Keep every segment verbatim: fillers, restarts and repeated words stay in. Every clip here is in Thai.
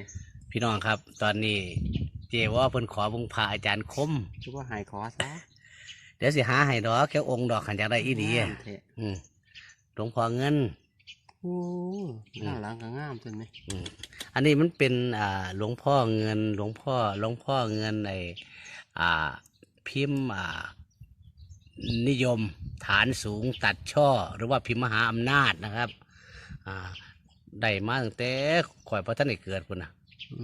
นี่พี่น้องครับตอนนี้เจว่าเพิ่นขอบุงพาอาจารย์คมคิดว่าหายคอซะเดี๋ยวสิหาให้ดอกแค่องค์ดอกขันจากได้อีดีอืมหลวงพ่อเงินโอ้หน้าหลังก็งามจนไหมอันนี้มันเป็นอ่าหลวงพ่อเงินหลวงพ่อหลวงพ่อเงินในอ่าพิมพ์อ่านิยมฐานสูงตัดช่อหรือว่าพิมพ์มหาอำนาจนะครับอ่าได้มาตั้งแต่ข่อยพระท่านได้เกิดพุ่นนะ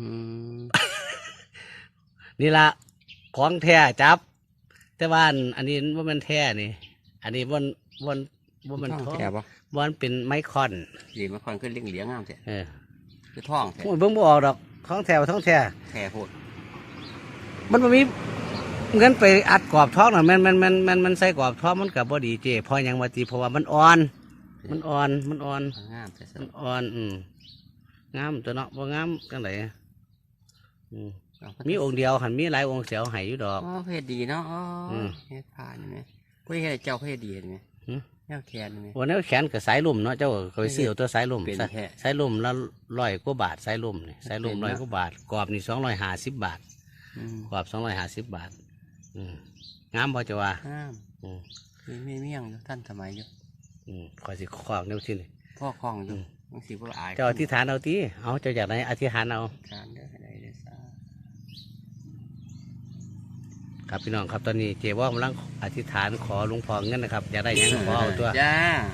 นี่ละของแท้จับแต่ว่าอันนี้ว่ามันแท้นี่อันนี้วันวันว่ามันท้องแท้ปะวันเป็นไมคอนดีไมคอนขึ้นเลี้ยงเหลียงงามแท้เออคือท้องแท้เบิ่งบ่ออกดอกท้องแท้ท้องแท้แท้โหดมันมันมีเงินไปอัดกรอบท้องหน่อยมันมันมันมันมันใส่กรอบท้องมันกับบ่ดีเจพอยังมาตีเพราะว่ามันอ่อนมันอ่อนมันอ่อนงามแต่มันอ่อนอืมงามตัวเนาะบ่งามจังไดอืมมีองค์เดียวหันมีหลายองค์เสียวให้อยู่ดอกอ๋อเพศดีเนาะอ๋อเพศผ่านไหมกูเห็นเจ้าเพศดีไหมแนวแขนไหมวันนี้แขนกับสายลุ่มเนาะเจ้าเคยซื้อตัวสายลุ่มสายลุ่มแล้วร้อยกว่าบาทสายลุ่มนี่สายลุ่มร้อยกว่าบาทกรอบนี่สองร้อยห้าสิบบาทกรอบสองร้อยห้าสิบบาทงามพอจะว่างามมีไม่เมี่ยงท่านสมัยอยู่คอยสิคล้องเนี่ยที่นี่พ่อคล้องอยู่บางสีพวกอายเจ้าอธิษฐานเอาทีเอาเจ้าอยากไหนอธิษฐานเอาครับพี่น้องครับตอนนี้เจ๊ว่ากำลังอธิษฐานขอหลวงพ่อเงินนะครับอยากได้ยังขอเอาตัวจ้า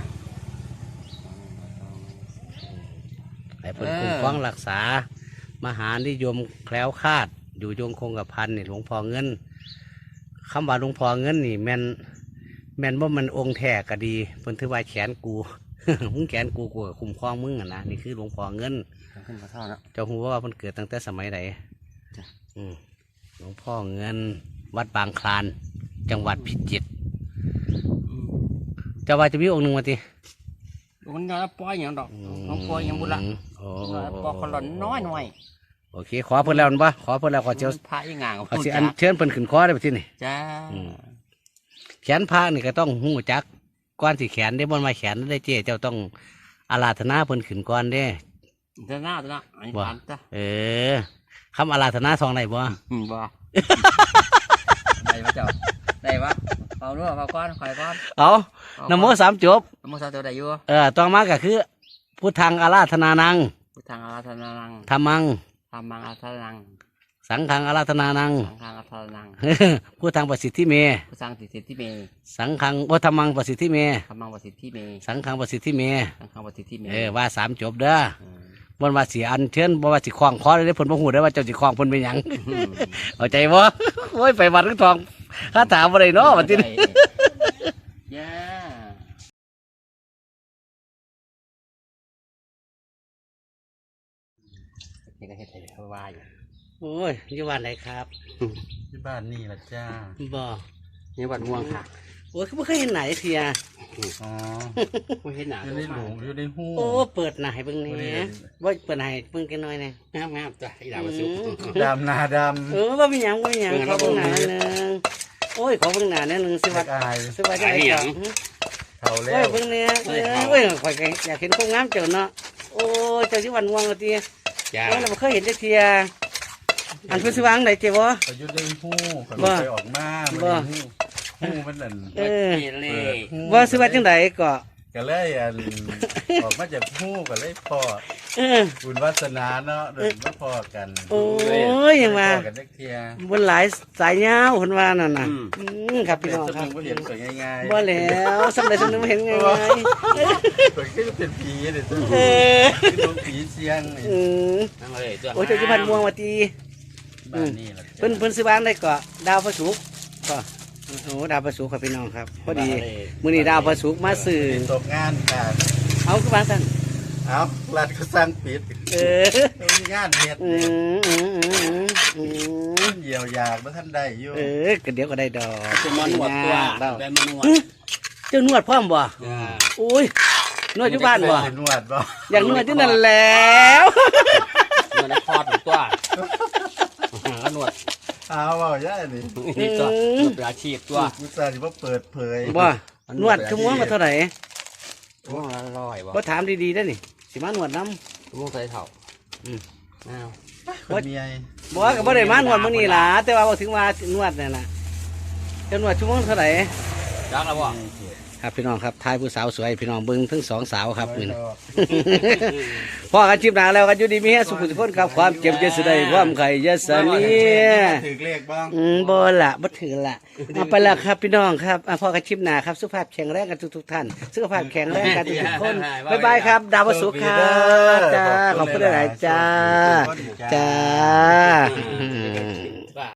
ให้เพิ่นคุ้มครองรักษามหานิยมแคล้วคลาดอยู่ยงคงกระพันนี่หลวงพ่อเงินคำว่าหลวงพ่อเงินนี่แม่นแม่นว่ามันองค์แท้ก็ดีเพิ่นถือว่าแขนกูมึงแขนกูกูกับคุ้มครองมึงอ่ะนะนี่คือหลวงพ่อเงินเจ้าหูว่ามันเกิดตั้งแต่สมัยไหนหลวงพ่อเงินวัดบางคลานจังหวัดพิจิตรเจ้าว่าจะมีองค์หนึ่งมาทีมันน้อยปอยอย่างดอกน้องปอยอย่างบุระปอขลอนน้อยหน่อยโอเคขอเพิ่นแล้วปะขอเพิ่นแล้วขอเจ้าพระยังงางเอาสิอันเชิญเพิ่นขึ้นคอได้ไปที่นี่จ้าแขนพระนี่ก็ต้องหูจักก้อนสีแขนได้บนมาแขนได้เจ๊เจ้าต้องอาราธนาเพิ่นขึ้นก้อนได้เจ้าหน้าเจ้าหน้าอันนี้ผ่านจ้ะเออคำอาราธนาซองไหนบ่บ่ได้ปะเจ้าได้ปะเอาด้วยเอาก้อนไข่ก้อนเอานโมสามจบนโมสามจบได้อยู่เออต่อมาก็คือพุทธังอาราธนานังพุทธังอาราธนานังธรรมังธรรมังอาราธนานังสังฆังอาราธนานังสังฆังอาราธนานังพุทธังประสิทธิเมพุทธังประสิทธิเมสังฆังวัธรรมังประสิทธิเมธรรมังประสิทธิเมสังฆังประสิทธิเมสังฆังประสิทธิเมเออว่าสามจบเด้อบนว่าสีอันเชิญบนว่าสีคล้องคอได้ผลพระหูได้ว่าเจ้าสีคล้องผลเป็นยังเอาใจบ่โอ้ยไปวัดทั้งทองข้าถามอะไรเนาะวันที่นี้นี่ก็เฮ็ดให้เขาว่าอยู่โอ้ยยี่บ้านไหนครับที่บ้านนี่แหละจ้าบ่นี่บ้านม่วงค่ะโอ้ยเขาไม่เคยเห็นไหนเทียอ๋อไม่เห็นหนาอยู่ในหลงอยู่ในหูโอ้เปิดหนาให้เบิ่งนี่ว่าเปิดหนาให้เบิ่งกันหน่อยนี่งามงามจ้ะอีดาวสุกดำนาดำเออว่ามีหยังว่ามีหยังขอเบิ่งหนาหนึ่งโอ้ยขอเบิ่งหนาหนึ่งสิวัดสิวัดจะไหนก่อนเท่าแล้วโอ้ยเบิ่งเนี่ยเอ้ยข่อยอยากเห็นคนงามเจ้าเนาะโอ้ยเจ้าที่วันม่วงละทีจ้าเราไม่เคยเห็นเทียอันเพิ่นสิวางไหนเจ้าวะไปยุดในหูเขาไปออกมาบ่หูมันนั่นเออว่าสิว่าจังไดก็ก็เลยอันออกมาจากหูก็เลยพอบุญวาสนาเนาะเดินมาพอกันโอ้ยยังมาบนหลายสายยาวคนว่านั่นน่ะครับพี่น้องครับเห็นสวยง่ายๆบ่แล้วสำเร็จสำเร็จเห็นง่ายๆสวยก็เป็นผีเลยตัวผีเสียงโอ้ยเจ้าที่พันม่วงมาตีเพิ่นเพิ่นซื้อบ้านได้ก็ดาวพระศุกร์ก็โอ้ดาวพระศุกร์ครับพี่น้องครับพอดีมื้อนี้ดาวพระศุกร์มาซื้อตกงานกันเอาคือบ้านสั่นเอารัฐก็สร้างปิดเอองานเฮ็ดเยียวยาเมื่อท่านได้อยู่เออก็เดี๋ยวก็ได้ดอกจะมานวดตัวได้มานวดเจ้านวดพร้อมบ่โอ้ยนวดอยู่บ้านบ่นวดบ่อย่างนวดที่นั่นแล้วนวดในคอถึงตัวก็นวดเอาว่าย่านี่นี่ตัวนวดเป็นอาชีพตัวมุสาที่ว่าเปิดเผยบ่นวดชั่วโมงมาเท่าไหร่ชั่วโมงละร้อยบ่ก็ถามดีๆได้นี่สิมานวดน้ำชั่วโมงใส่เท่าอืมอ้าวคนเมียบอกว่าก็บ่ได้มานวดมื้อนี้ล่ะแต่ว่าบ่ถึงว่านวดนั่นน่ะจะนวดชั่วโมงเท่าไหร่จักแล้วบ่ครับพี่น้องครับทายผู้สาวสวยพี่น้องเบิ่งทั้งสองสาวครับมื้อนี้ พ่อกันชิบหนาแล้วกันอยู่ดีมีแฮสุขสุขคนครับความเจ็บจะสได้ความไข่จะสนีถือเลขบ้างอืมบ่ละบ่ถือละเอาไปละครับพี่น้องครับอ่ะพ่อกันชิบหนาครับสุขภาพแข็งแรงกันทุกๆท่านสุขภาพแข็งแรงกันทุกๆคนบ๊ายบายครับ ดาวสุขครับจ้าขอบคุณหลายๆจ้าจ้า